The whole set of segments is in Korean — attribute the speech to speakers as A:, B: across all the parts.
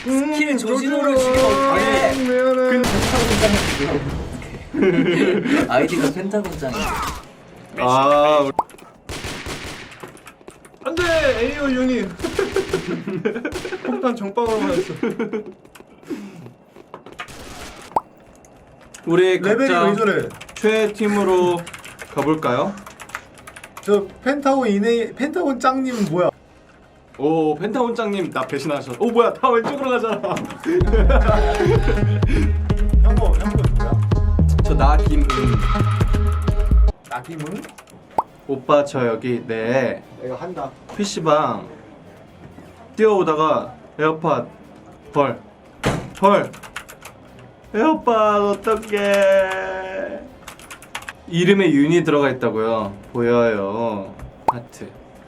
A: 스킬 조진호를 죽이면 어떡해.
B: 미안해.
A: 아이디가 펜타곤짱인데.
B: 아 안돼 에이오 유닛. 폭탄 정방으로 맞았어. 우리
C: 레벨이
B: 각자
C: 왜 저래?
B: 최애 팀으로 가볼까요?
C: 저 펜타곤 짱님은 뭐야?
B: 오 펜타곤장님 나 배신하셨어. 오 뭐야 다 왼쪽으로 가잖아.
C: 형거 뭐야?
B: 저 나 김은.
C: 나김은?
B: 오빠 저 여기 내
C: 내가 한다.
B: PC방 뛰어오다가 에어팟 헐 에어팟 어떡해. 이름에 윤이 들어가 있다고요. 보여요. 하트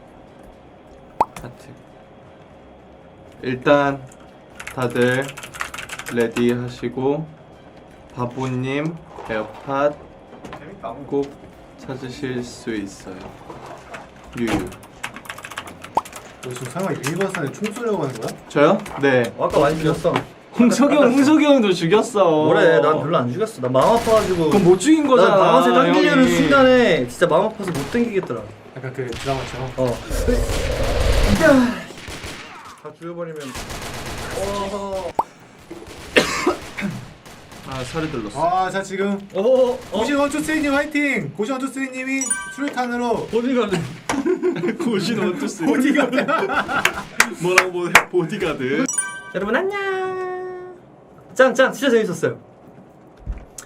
B: 일단 다들 레디 하시고 바보님 에어팟
C: 재밌다.
B: 꼭 찾으실 수 있어요. 유유.
C: 너 지금 설마 일반산에 총 쏘려고 하는 거야?
B: 저요? 네.
D: 아까 많이 죽였어.
B: 홍석이 형도 죽였어.
D: 뭐래? 난 별로 안 죽였어. 나 마음 아파가지고.
B: 그럼 못 죽인 거잖아.
D: 난 방아쇠 당기려는
B: 형이.
D: 순간에 진짜 마음 아파서 못 당기겠더라.
C: 약간 그 드라마처럼.
D: 어. 다 죽여버리면.
B: 아 살이 들렀어.
C: 자 지금 고신 원투쓰리님 화이팅! 고신 원투쓰리님이 수류탄으로
D: 어디가네?
B: 고신 원투쓰리.
C: 보디가드.
B: 뭐라고 보디가드.
D: 여러분 안녕. 짱 진짜 재밌었어요.